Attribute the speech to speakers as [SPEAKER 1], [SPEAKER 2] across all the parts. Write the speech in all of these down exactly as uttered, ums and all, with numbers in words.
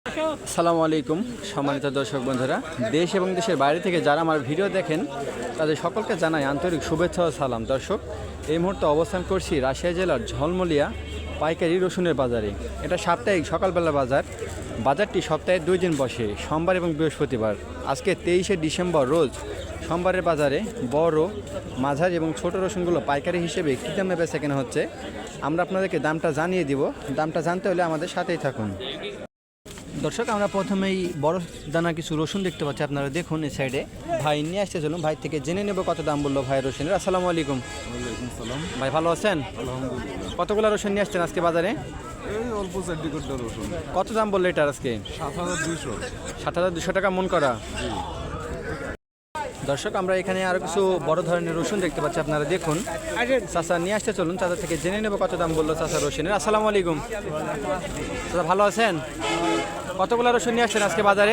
[SPEAKER 1] আসসালামু আলাইকুম সম্মানিত দর্শক বন্ধুরা, দেশ এবং দেশের বাইরে থেকে যারা আমার ভিডিও দেখেন তাদের সকলকে জানাই আন্তরিক শুভেচ্ছা ও সালাম। দর্শক, এই মুহূর্তে অবস্থান করছি রাজশাহী জেলার ঝলমলিয়া পাইকারি রসুনের বাজারে। এটা সাপ্তাহিক সকালবেলা বাজার। বাজারটি সপ্তাহে দুই দিন বসে, সোমবার এবং বৃহস্পতিবার। আজকে তেইশে ডিসেম্বর রোজ সোমবারের বাজারে বড়, মাঝারি এবং ছোট রসুনগুলো পাইকারি হিসেবে কী দামে বেচা কেনা হচ্ছে আমরা আপনাদেরকে দামটা জানিয়ে দিব। দামটা জানতে হলে আমাদের সাথেই থাকুন। দর্শক, আমরা প্রথমেই বড় দানা কিছু রসুন দেখতে পাচ্ছি, আপনারা দেখুন এই সাইডে। ভাই নিয়ে আসতে চলুন, ভাই থেকে জেনে নেব কত দাম বললো ভাই রসুনের। আসসালামু আলাইকুম।
[SPEAKER 2] ওয়ালাইকুম সালাম।
[SPEAKER 1] ভাই ভালো আছেন?
[SPEAKER 2] আলহামদুলিল্লাহ।
[SPEAKER 1] কতগুলো রসুন নিয়ে আসছেন আজকে বাজারে?
[SPEAKER 2] এই অল্প চারটি কোটা রসুন।
[SPEAKER 1] কত দাম বললো এটার আজকে?
[SPEAKER 2] সাত হাজার দুইশো।
[SPEAKER 1] সাত হাজার দুশো টাকা মন করা। দর্শক, আমরা এখানে আরো কিছু বড় ধরনের রসুন দেখতে পাচ্ছি, আপনারা দেখুন। চাচা নিয়ে আসতে চলুন, চাচা থেকে জেনে নেব কত দাম বললো চাচা রসুনের। আসসালামু আলাইকুম। চাচা ভালো আছেন? কতগুলো রসুন নিয়ে আসছেন আজকে বাজারে?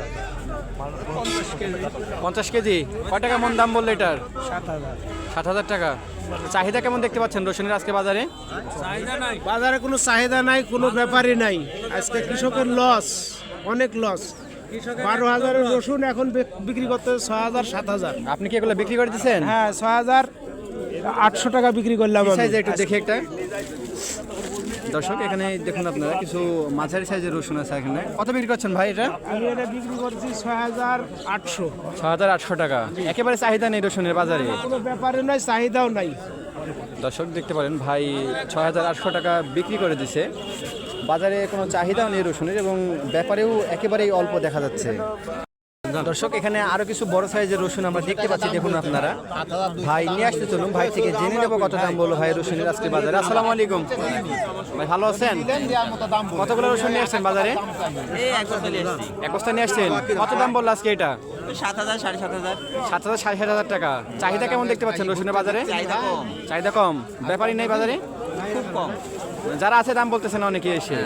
[SPEAKER 1] পঞ্চাশ কেজি। কয় টাকা মন দাম বললো এটার? সাত হাজার টাকা। চাহিদা কেমন দেখতে পাচ্ছেন রসুনের আজকে বাজারে?
[SPEAKER 3] বাজারে কোনো চাহিদা নাই, কোনো ব্যাপারই নাই। আজকে কৃষকের লস, অনেক লস। বারো হাজারের রসুন এখন বিক্রি করতে ছয় হাজার সাত হাজার।
[SPEAKER 1] আপনি কি এগুলো বিক্রি করে দিচ্ছেন?
[SPEAKER 3] হ্যাঁ, ছয় হাজার আটশো টাকা বিক্রি করলাম।
[SPEAKER 1] সাইজে একটু দেখি একটা। দর্শক, এখানে দেখুন আপনারা কিছু মাঝারি সাইজের রসুন আছে এখানে। কত বিক্রি করছেন ভাই এটা?
[SPEAKER 3] আমি এটা বিক্রি করছি ছয় হাজার আটশো।
[SPEAKER 1] ছয় হাজার আটশো টাকা। একেবারে চাহিদা নেই রসুনের বাজারে?
[SPEAKER 3] কোনো ব্যাপারই নাই, চাহিদাও নাই।
[SPEAKER 1] দর্শক দেখতে পারেন, ভাই ছয় হাজার আটশো টাকা বিক্রি করে দিছে। বাজারে কোনো চাহিদাও নেই রসুনের এবং ব্যাপারেও একেবারেই অল্প দেখা যাচ্ছে। দর্শক, এখানে আরো কিছু বড় সাইজের রসুন আমরা দেখতে পাচ্ছি, দেখুন আপনারা। ভাই নিয়ে আসতে চলুন, ভাই থেকে জেনে নেবো কত দাম বললো ভাই রসুনের আজকে বাজারে। আসসালামু আলাইকুম। ভাই ভালো আছেন? কতগুলো রসুন নিয়ে আসছেন বাজারে? এক বস্তা নিয়ে আসছেন। কত দাম বললো আজকে এটা?
[SPEAKER 4] সাত হাজার সাড়ে সাত হাজার।
[SPEAKER 1] সাত হাজার সাড়ে সাত হাজার টাকা। চাহিদা কেমন দেখতে পাচ্ছেন রসুনের বাজারে?
[SPEAKER 4] চাহিদা কম।
[SPEAKER 1] চাহিদা কম। ব্যাপারই নেই বাজারে?
[SPEAKER 4] খুব কম।
[SPEAKER 1] যারা আছে দাম বলতেছেন অনেকে এসে।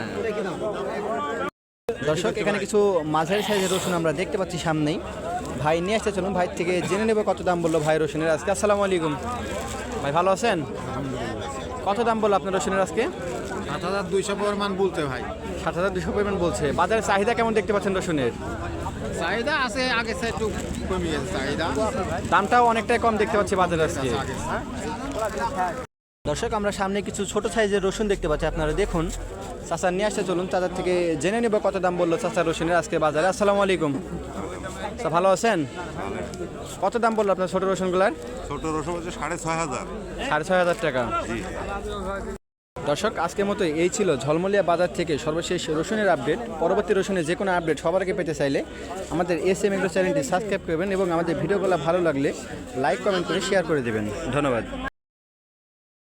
[SPEAKER 1] দর্শক, এখানে কিছু মাঝারি সাইজের রসুন আমরা দেখতে পাচ্ছি সামনেই। ভাই নিয়ে আসতে চলুন, ভাই থেকে জেনে নেবে কত দাম বললো ভাই রসুনের আজকে। আসসালামু আলাইকুম। ভাই ভালো আছেন? কত দাম বললো আপনার রসুনের আজকে?
[SPEAKER 2] সাত হাজার দুইশো পরিমাণ বলতে ভাই।
[SPEAKER 1] সাত হাজার দুশো পরিমাণ বলছে। বাজারের চাহিদা কেমন দেখতে পাচ্ছেন রসুনের?
[SPEAKER 2] চাহিদা আছে, আগে সে একটু কমিয়েছে চাহিদা।
[SPEAKER 1] দামটাও অনেকটাই কম দেখতে পাচ্ছি বাজারে আজকে। দর্শক, আমরা সামনে কিছু ছোট সাইজের রসুন দেখতে পাচ্ছি, আপনারা দেখুন। চাচা নিয়ে আসতে চলুন, চাচার থেকে জেনে নেব কত দাম বললো চাচা রসুনের আজকে বাজারে। আসসালামু আলাইকুম। তা ভালো আছেন? কত দাম বললো আপনার ছোট রসুনগুলার?
[SPEAKER 2] ছোট রসুন হচ্ছে সাড়ে ছয় হাজার।
[SPEAKER 1] সাড়ে ছয় হাজার টাকা। দর্শক, আজকের মতো এই ছিল ঝলমলিয়া বাজার থেকে সর্বশেষ রসুনের আপডেট। পরবর্তী রসুনের যে কোনো আপডেট সবার আগে পেতে চাইলে আমাদের এস এম এগ্রো চ্যানেলটি সাবস্ক্রাইব করবেন এবং আমাদের ভিডিওগুলো ভালো লাগলে লাইক কমেন্ট করে শেয়ার করে দেবেন। ধন্যবাদ।